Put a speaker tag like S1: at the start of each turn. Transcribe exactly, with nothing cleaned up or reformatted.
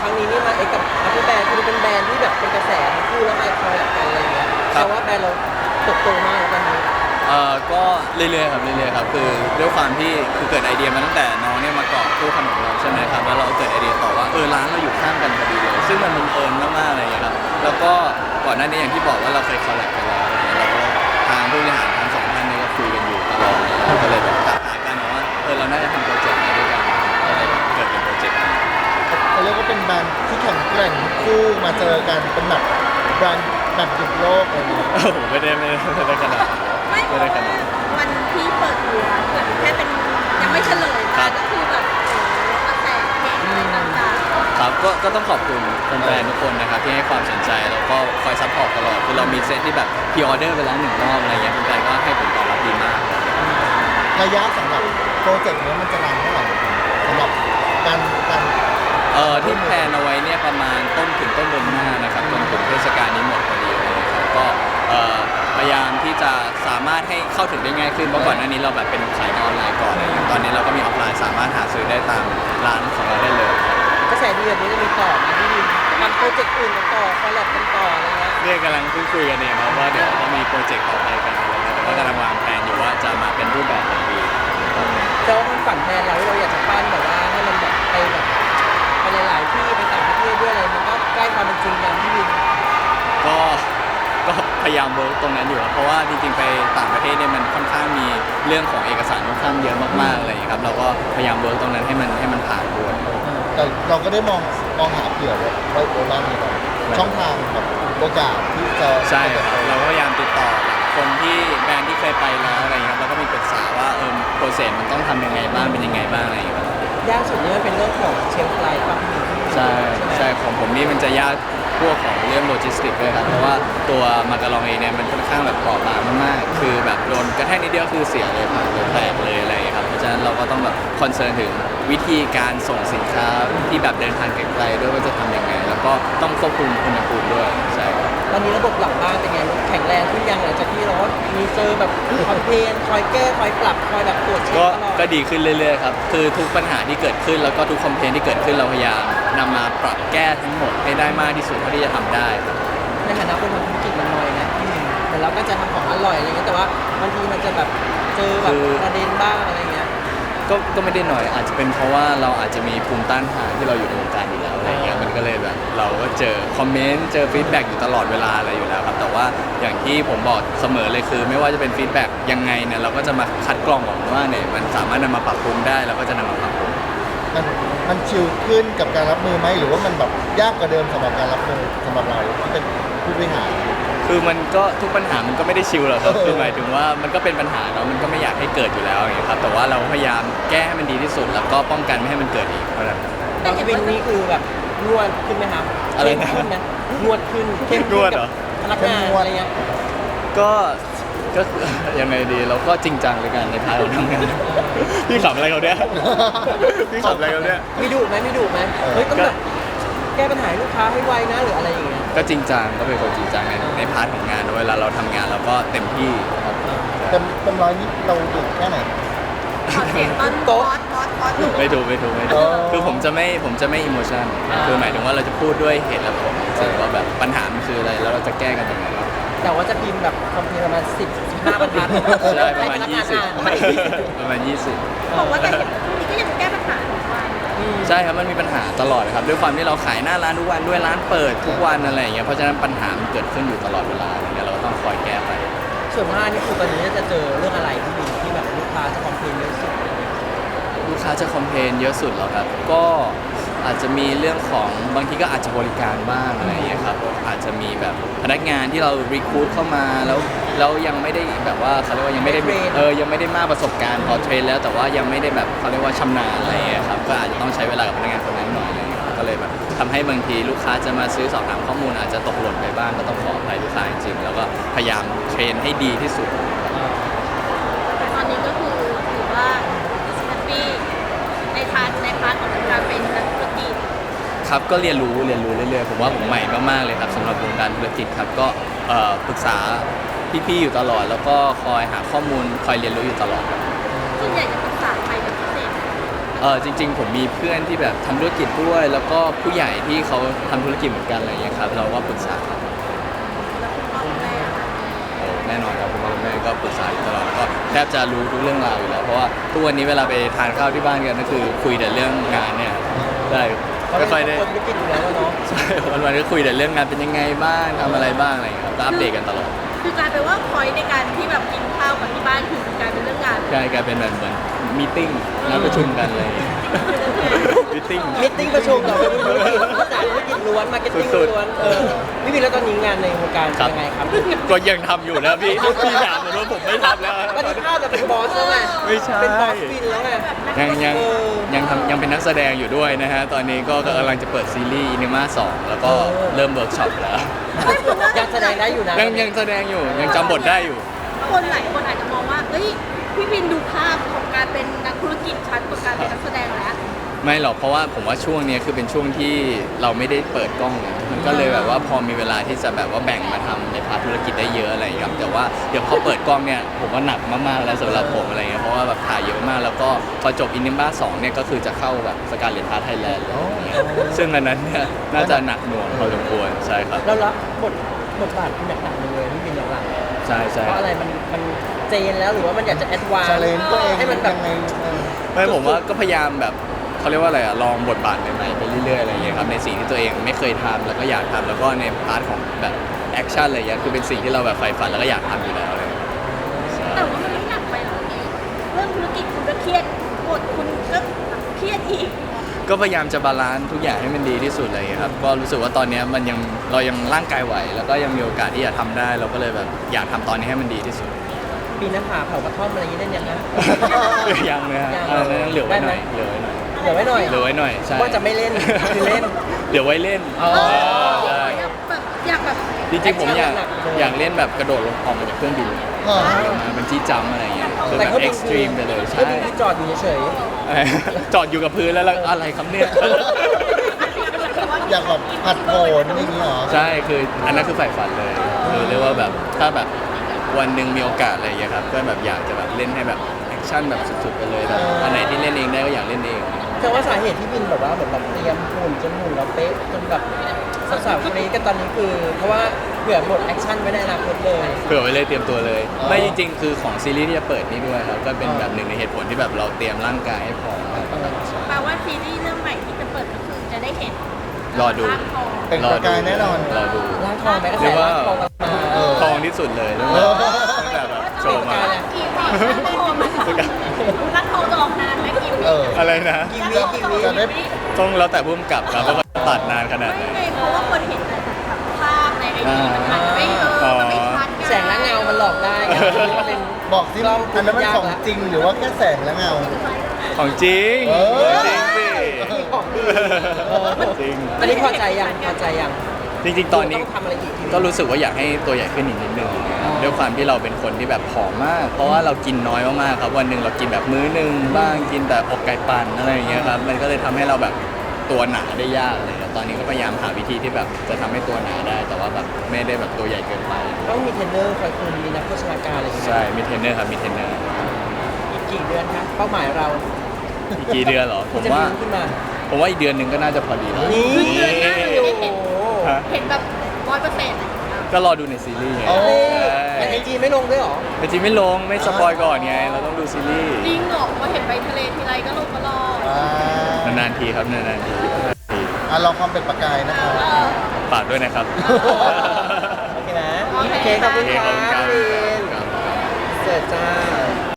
S1: รั้งนี้นี่มาเอ็กกับอัพเปอร์แบรนด์คือเป็นแบรนด์ที่แบบเป็นกระแสทั้งคู่แล้วมาคอลแลบกันอะไรอย่างเงี้ยแต่ว่าแบรนด์เราเติบโตมากตอนนี้
S2: เอ่อก็เรื่อยๆครับเรื่อยๆครับคือด้วยความที่คือเกิดไอเดียมาตั้งแต่น้องเนี่ยมาเกาะคู่ขนมเราใช่ไหมครับแล้วเราเกิดไอเดียต่อว่าเออร้านเราอยู่ข้างกันพอดีเลยซึ่งมันบังเอิญมากๆอะไรอย่างเงี้ยครับแล้วก็ก่อนหน้านี้อย่างที่บอกว่าเราเคยคอลแลบกันแล้วอะไรเงี้ยเราก็ทางผู้บริหารทั้งสองท่านเนี่ยก็คุยกันอยู่ตลอดเลยก็เลยแบบหากันว่าเออเราน่าจะทำโปรเจกต์นี้ด้วยกันก็เลยแบบเกิดเป็นโปรเจกต์นี้
S3: เขาเรียกว่าเป็นแบรนด์ที่แข่งแกร่งคู่มาเจอกันเป็นแบบแบรนด์แบบหยุดโลกอะไรอย่างเงี้ย
S2: โอ้โหไม่ได้ไม่ได้ไม่ได้ขนาดนั้น
S4: ไม่เพ
S2: ไม่
S4: ราะ
S2: ได้
S4: ว่า
S2: ขนาดนั้น
S4: วันที่เปิดตัวเกิดแค่เป็นยังไม่เฉลย
S2: ครั
S4: มา
S2: บ
S4: ก็คือแบบโอ้โหกระแสเพลงอะไรต่าง
S2: ครับก็ก็ต้องขอบคุณแฟนๆทุกคนนะครับที่ให้ความสนใจแล้วก็คอยซัพพอร์ตตลอดคือเรามีเซตที่แบบพรีออเดอร์ไปแล้วหนึ่งรอบอะไรเงี้ยแฟนๆก็ให้ผลตอบรับดีมาก
S3: ระยะสำหรับโปรเจกต์นี้มันจะนานเท่าไหร่สำหรับการการ
S2: เอ่อที่แพลนเอาไว้เนี่ยประมาณต้นถึงต้นเดือนหน้านะครับจนถึงเทศกาลนี้หมดพอดีเลยครับก็เอ่อพยายามที่จะสามารถให้เข้าถึงได้ง่ายขึ้นเพราะก่อนหน้านี้เราแบบเป็นขายออนไลน์ก่อนอะไรเงี้ยตอนนี้เราก็มีออฟไลน์สามารถหาซื้อได้ตามร้านของเราได้เลย
S1: กระแสดีแบบนี้จะมีต่อไหมที่ทำโปรเจกต์อื่นกันต่อคอลแลบกันต่ออะไรเงี้ย
S2: เรียกกำลังคุยคุยกันเองครับว่าเดี๋ยวจะมีโปรเจกต์ต่อไปกันอะไรเงี้ยแต่ก็กำลังวางแผนอยู่ว่าจะมาเป็นรูปแบบไหนดี
S1: แต่ว่ามันฝันแทนเราที่เราอยากจะปั้นแบบว่าให้มันแบบไปแบบไปหลายๆที่ไปต่างประเทศด้วยอะไรมันก็ใกล้ความเป็นจริงอย่างที่วิน
S2: ก็ก็พยายามเวิร์กตรงนั้นอยู่ครับเพราะว่าจริงๆไปต่างประเทศเนี่ยมันค่อนข้างมีเรื่องของเอกสารค่อนข้างเยอะมากๆอะไรอย่างเงี้ยครับเราก็พยายามเวิร์กตรงนั้นให้มันให้มันผ่านด้วย
S3: แต่เราก็ได้มองมองหาเผื่อไว้ไว้โบราณนี้ก่อนช่องทางแบบโอกาสที่จะ
S2: ใช่ครับเราก็พยายามติดต่อคนที่แบรนด์ที่เคยไปแล้วอะไรเงี้ยครับแล้วก็มีปรึกษาว่าเออโปรเซสมันต้องทำยังไงบ้างเป็นยังไงบ้างอะไรอย่างเงี้ยครับ
S1: ยากสุดนี่มันเป็นเรื่องของเชลฟ์ไลฟ์ป่ะพี่
S2: ใช่
S1: ไหม
S2: ใช่ของผมนี่มันจะยากพวกของเรื่องโลจิสติกด้วยครับเพราะว่าตัวมาการองเองเนี่ยมันค่อนข้างแบบเปราะบางมากๆคือแบบโดนกระแทกนิดเดียวคือเสียเลยผ่านเลยแตกเลยอะไรอย่างเงี้ยครับเพราะฉะนั้นเราก็ต้องแบบคอนเซิร์นถึงวิธีการส่งสินค้าที่แบบเดินทางไกลๆด้วยว่าจะทำยังไง แล้วก็ต้องควบคุมอุณหภูมิด้วยใช่ครับ
S1: ตอนนี้ระบบหลังบ้านเป็นไงแข็งแรงขึ้นยังหลังจากที่เราก็มีเจอแบบคอมเพลนคอยแก้คอยปรับคอยแบบตรวจเช็ค
S2: ก็
S1: ตลอด
S2: ก็ดีขึ้นเรื่อยๆครับ คือทุกปัญหาที่เกิดขึ้นแล้วก็ทุกคอมเพลนที่เกิดขึ้นเราพยายามนำมาปรับแก้ทั้งหมดให้ได้มากที่สุดเท่าที่จะทำได้ครับ
S1: ในฐานะคนทำธุรกิจมันน้อยนะพี่วินแต่เราก็จะทำของอร่อยอะไรเงี้ยแต่ว่าบางทีมันจะแบบเจอแบบประเด็นบ้างอะไรเงี้ย
S2: ก็ก็ไม่ได้หน่อยอาจจะเป็นเพราะว่าเราอาจจะมีภูมิต้านทานที่เราอยู่ในวงการอยู่แล้วอะไรเงี้ยมันก็เลยแบบเราก็เจอคอมเมนต์เจอฟีดแบ็กอยู่ตลอดเวลาอะไรอยู่แล้วครับแต่ว่าอย่างที่ผมบอกเสมอเลยคือ ไม่ว่าจะเป็นฟีดแบ็กยังไงเนี่ยเราก็จะมาคัดกรองออกว่าเนี่ยมันสามารถนำมาปรับปรุงได้เราก็จะนำมาปรับปรุง
S3: มันมันชิลขึ้นกับการรับมือไหมหรือว่ามันแบบยากกว่าเดิมสำหรับการรับมือสำหรับเราที่เป็นผู้บริหาร
S2: คือมันก็ทุกปัญหามันก็ไม่ได้ชิลหรอกครับ
S3: เออ
S2: คือหมายถึงว่ามันก็เป็นปัญหาเนาะมันก็ไม่อยากให้เกิดอยู่แล้วอย่างเงี้ยครับแต่ว่าเราพยายามแก้ให้มันดีที่สุด แล้วก็ป้องกันไม่ให้มันเกิดอีกเท่านั้น
S1: แต่พี่วินนี่คือแบบนวดขึ้นไหมครับ
S2: อะไรนะ
S1: เข้มขึ้นนะนวดขึ้นเข้ม
S2: น
S1: ขึ้
S2: วน ดเหร
S1: กั
S2: อ
S1: บพนักงานอะไรเงี้ย
S2: ก็ก็ ยังไงดีเราก็จริงจังในการในพาร์ทของทำงานพี่ขำอะไรเขาเนี่ยพี่ขำอะไรเขาเนี่ย
S1: มีดุไหมมีดุไหมเฮ้ยต้องแบบแก้ปัญหาให้ลูกค้าให้ไวนะหรืออะไรอย่างเงี้ย
S2: ก็จริงจังก็เป็นคนจริงจังในในพาร์ทของงานเวลาเราทำงานเราก็เต็มที่ครับ
S3: เต็มเต็มร้อยนี้เราดุแค่ไหน
S4: ๆขอเสียงตอนบอสบอสบอสหนู
S2: ไม่ถูกไม่ถูกไม่
S3: เอ
S2: ถูก
S3: อ
S2: คือผมจะไม่ผมจะไม่อิโมชันคือหมายถึงว่าเราจะพูดด้วยเหตุและผลซึ่งว่าแบบปัญหามันคืออะไรแล้วเราจะแก้กันยังไง
S1: แต่ว่าจะพิมพ์แบบคอมเพลนประมาณสิบสิบห้าบรรทัด
S2: ใช่ประมาณ
S1: ให้พนักงน
S2: ยี่สิบ
S1: อ่าน
S2: ประมาณยี่สิบ
S4: บอกว่าแต่เห็นนี่ก็ยังแก้ปัญหาทุกวัน
S1: อืม
S2: ใช่ครับมันมีปัญหาตลอดครับด้วยความที่เราขายหน้าร้านทุกวันด้วยร้านเปิดทุกวันอะไรอย่างเงี้ยเพราะฉะนั้นปัญหามันเกิดขึ้นอยู่ตลอดเวลาอะไรเงี้ยเราก็ต้องคอยแก้ไป
S1: ส่วนมากนี่คือตอนนี้จะเจอเรื่องอะไรที่มีที่แบบลูกค้าจะคอมเพลนเยอะสุด
S2: ลูกค้าจะคอมเพลนเยอะสุดเหรอครับก็อาจจะมีเรื่องของบางทีก็อาจจะบริการบ้างอะไรอย่างเงี้ยครับอาจจะมีแบบพนักงานที่เรารีคูดเข้ามาแล้วแล้วยังไม่ได้แบบว่าเขาเรียกว่ายังไม่ได้
S1: ไม่เทรน
S2: เออยังไม่ได้มากประสบการณ์พอเทรนแล้วแต่ว่ายังไม่ได้แบบเขาเรียกว่าชำนาญอะไรอย่างเงี้ยครับก็อาจจะต้องใช้เวลากับพนักงานคนนั้นหน่อยอะไรอย่างเงี้ยก็เลยแบบทำให้บางทีลูกค้าจะมาซื้อสอบถามข้อมูลอาจจะตกหล่นไปบ้างก็ต้องขออภัยลูกค้าจริงๆแล้วก็พยายามเทรนให้ดีที่สุด
S4: แต่ตอนนี้ก็คือถือว่าแฮปปี้ในพาร์ทในพาร์ทของการเป็นนักธุรกิจ
S2: ครับก็เรียนรู้เรียนรู้เรื่อยๆผมว่าผมใหม่มากๆเลยครับสำหรับวงการธุรกิจครับก็เอ่อปรึกษาพี่ๆอยู่ตลอด แล้วก็คอยหาข้อมูลคอยเรียนรู้อยู่ตลอดครับ
S4: ส่วนใหญ่จะปรึกษาใครเป็นพิเศษ
S2: ปเออจริง ๆ ผมมีเพื่อนที่แบบทำธุรกิจด้วย แล้วก็ผู้ใหญ่ที่เขาทำธุรกิจเหมือนกันอะไรอย่างเงี้ยครับเราก็ปรึกษาครับ
S4: แล้วคุณพ่อคุณแม่อะค่ะ
S2: โอ้แน่นอนครับคุณพ่อคุณแม่ก็ปรึกษาอยู่ตลอดแล้วก็แทบจะรู้ทุกเรื่องราวอยู่แล้วเพราะว่าทุกวันนี้เวลาไปทานข้าวที่บ้านกันก็คือคุยแต่เรื่องงานเนี่ยได้
S1: เพราะ
S2: ไม่
S1: เป็น
S2: ค่อยได้
S1: คนธุรกิจอยู่แล้วอะเนาะ
S2: ใช่วันๆก็คุยแต่เรื่องงานเป็นยังไงบ้างทำอะไรบ้างอะไรอย่างเงี้ยครับก็อัปเดตกันตลอด
S4: คือกลายเป็นว่าพอยในการที่แบบกินข้าวกับที่บ้านคือกลายเป็นเรื่องงาน
S2: ใช่กลายเป็นแบบเหมือนมีติ้งนัดประชุมกันเลยมีติ้ง
S1: มิทติ้งประชุมกับธุรกิจภาษาธุรกิจล้วนมาร์เก็ตติ้ง
S2: สุดๆ
S1: ล้วนเออพี่บินแล้วตอนนี้งานในวงการ
S2: ครับ
S1: เป็นยังไงครับ
S2: ก็ยังทำอยู่นะพี่พี่ถามผมว่าผมไม่ทำแล้ว
S1: ตอนนี้ภาพจะเป็นบอสแล้วไง
S2: ไม่ใช่
S1: เป็นบอสบินแล้วไง
S2: ยังยัง
S1: เออ
S2: ยังทำยังเป็นนักแสดงอยู่ด้วยนะฮะ ตอนนี้ก็กำลังจะเปิดซีรีส์อินิมาสองแล้วก็
S1: เออ
S2: เริ่มเวิร์กช็อปแล้ว
S1: ยังแสดงได้อยู่นะ
S2: ยังยังแสดงอยู่ยังจำบทได้อยู่
S4: คนหลายคนอาจจะมองว่าเอ้ยพี่บินดูภาพของการเป็นนักธุรกิจชัดกว่าการเป็นนักแสดงแล้ว
S2: ไม่หรอกเพราะว่าผมว่าช่วงนี้คือเป็นช่วงที่เราไม่ได้เปิดกล้องไงมันก็เลยแบบว่าพอมีเวลาที่จะแบบว่าแบ่งมาทำในพาร์ทธุรกิจได้เยอะอะไรอย่างเงี้ยครับแต่ว่าเดี๋ยวพอเปิดกล้องเนี่ยผมว่าหนักมากๆแล้วสำหรับผมอะไรเงี้ยเพราะว่าแบบถ่ายเยอะมากแล้วก็พอจบอินนิบ้าสองเนี่ยก็คือจะเข้าแบบสการเลนพาร์ทไทยแลนด์เลยอย่างเงี้ยซึ่งอันนั้นเนี่ยน่าจะหนักหน่วงพอสมควรใช่ครับ
S1: เรารับบทบทบาทที่หนักๆเลยพี่บินหลังๆ
S2: ใช่ใช่
S1: เพราะอะไรมันมันเจนแล้วหรือว่ามันอยากจะแอดวาน
S3: ชาเลนตัวเอง
S1: ให้มันแบบ
S3: ยังไงเออ
S2: ไม่ผมว่าก็พยายามแบบเขาเรียกว่าอะไรอะลองบทบาทใหม่ๆไปเรื่อยๆอะไรอย่างเงี้ยครับในสิ่งที่ตัวเองไม่เคยทำแล้วก็อยากทำแล้วก็ในพาร์ทของแบบแอคชั่นอะไรอย่างเงี้ยคือเป็นสิ่งที่เราแบบใฝ่ฝันแล้วก็อยากทำอยู่แล้วอะไรอย่างเลยใช่
S4: แต่ว่ามันไม่หนักไปหรอกเรื่องธุรกิจคุณก็เครียดบทคุณก็เครียดอีก
S2: ก็พยายามจะบาลานซ์ทุกอย่างให้มันดีที่สุดอะไรอย่างเลยครับก็รู้สึกว่าตอนเนี้ยมันยังเรายังร่างกายไหว แล้วก็ยังมีโอกาสที่จะทำได้ เราก็เลยแบบอยากทำตอนนี้ให้มันดีที่สุด
S1: ปีนหน้าผาเผากระท่อมอะไรอย่างนี้ได้ยังไง
S2: ยังเลยฮะ
S1: ยัง
S2: อันนั้นเหลือไว้หน่อย
S1: ได้
S2: เห
S1: ไหม
S2: ลือไว้หน่อย
S1: เหลือไว้หน่อย
S2: เหลือไว้หน่อยใช่
S1: ว่าจะไม่เล่นคือเล่น
S2: เดี๋ยวไว้เล่น
S1: อ๋อ
S2: ใช่
S4: อยากแบบอยากแบบ
S2: จริงๆผมอยาก
S1: หนักๆเลย
S2: อยากเล่นแบบกระโดดลงออกมาจากเครื่องบิน
S3: อ๋อ
S2: มันจี้จัมป์อะไรอย่างเงี้ยคือ
S1: แต่
S2: แบบ
S1: เขา
S2: เอ็กซ์ตรีมไปเลย
S1: เขา
S2: ใช่
S1: บินที่จอดอยู่เฉย
S2: จอดอยู่กับพื้นแล้วแล้วอะไรครับเนี่ย
S3: อยากแบบผัดโผนอย่างนี้เหรอ
S2: ใช่คืออันนั้นคือใฝ่ฝันเลยคือเรียกว่าแบบถ้าแบบวันหนึ่งมีโอกาสอะไรอย่างเงี้ยครับก็แบบอยากจะแบบเล่นให้แบบแอคชั่นแบบสุดๆไปเลยแบบอันไหนที่เล่นเองได้ก็อยากเล่นเอง
S1: ๆแต่ว่าสาเหตุที่บินแบบว่าเหมือนแบบเตรียมหุ่นจนหุ่นเราเป๊ะจนแบบสาวๆคนนี้กันตอนนี้คือ เพราะว่าเผื่อบทแอคชั่นไว้ในอนาคตเลย
S2: เผื่อไว้เลยเตรียมตัวเลย
S3: อ๋อ
S2: ไม่จริงๆ คือของซีรีส์ที่จะเปิดนี่ด้วยครับก็เป็นแบบหนึ่งในเหตุผลที่แบบเราเตรียมร่างกายให้พร้อม
S4: แปลว่าซีรีส์เรื่องใหม่ที่จะเปิดก็คือจะได้เห็น
S2: รอดู
S4: ร่างทอง
S3: เป็นประกายแน่นอน
S2: รอดู
S1: ร่างทองไหมก็
S2: เรี
S1: ใส่
S2: ยกว่า
S1: ร่างทองกันมา
S3: เออ
S2: ทองที่สุดเลยตั้งแต่ตั้งแต่แบบโชว์มา
S4: กี่วีร่างทองมันร่างทองจะออกนานไหมกี่วี
S3: เออ
S2: อะไรนะ
S1: กี่วิกี่วิ
S3: จะได้
S2: ต้องแล้วแต่พุ่มกับครับว่าตัดนานขนาดไหน
S4: ไม่ไงเพราะว่าคนเห็นแต่แบบภาพในไอจีมันอาจจะไม่เออมันไม่ชัดไ
S1: แสงและเงามันหลอกได้ไงมันเป็น
S3: บอกสิอันนั้นมันของจริงหรือว่าแค่แสงและเงา
S2: ของจริง
S3: เออ
S2: จริงสิ
S1: มีของดีเออ
S2: จริง
S1: อันนี้พอใจยังพอใจยัง
S2: จริงๆ ตอนนี้
S1: ต้องทำอะไรอีกที
S2: ก็รู้สึกว่าอยากให้ตัวใหญ่ขึ้นอีกนิดนึงด้วยความที่เราเป็นคนที่แบบผอมมาก เพราะว่าเรากินน้อยมากๆครับวันหนึ่งเรากินแบบมื้อหนึ่งบ้างกินแต่อกไก่ปั่นอะไรอย่างเงี้ยครับมันก็เลยทำให้เราแบบตัวหนาได้ยากเลยครับตอนนี้ก็พยายามหาวิธีที่แบบจะทำให้ตัวหนาได้ แต่ว่าแบบไม่ได้แบบตัวใหญ่เกินไป
S1: ต้องมีเทรนเนอร์คอยคุมมีนักโภชนาการอะไรอย่างเงี้ย
S2: ใช่มีเทรนเนอร์ครับมีเทรนเนอร์
S1: อีกกี่เดือนคะเป้าหมายเรา
S2: อีกกี่เดือนเหรอผม
S1: จะ
S2: ว่า
S1: มีขึ้นมา
S2: ผมว่าอีกเดือนหนึ่งก็น่าจะพอดีแล้ว
S1: นี่
S4: เดือนหน้าเราจะได้เห็น
S2: ฮะ
S4: เห็นแบบร้อยเปอร์เซ็นต์
S2: ก็รอดูในซีรีส์ไง
S3: โอ้
S1: แต่ไอจีไม่ลงด้วยเหรอ
S2: แต่จริงไม่ลงไม่สปอยก่อนไงเราต้องดูซีรีส์
S4: จริงเหรอว่าเห็นไปทะเลทีไรก็ลงตลอด
S3: อ่าน
S2: านๆทีครับนานๆที
S3: อ่ะลองความเป็นประกายนะครับ
S4: เออ
S2: ฝากด้วยนะครับ
S1: โอเคนะ
S4: โอเค
S1: โอเคขอบคุณ
S2: โอเค
S1: ค
S2: ขอบคุณครั
S1: รับบ วิน
S2: ครับ
S1: เสิร์ฟจ้า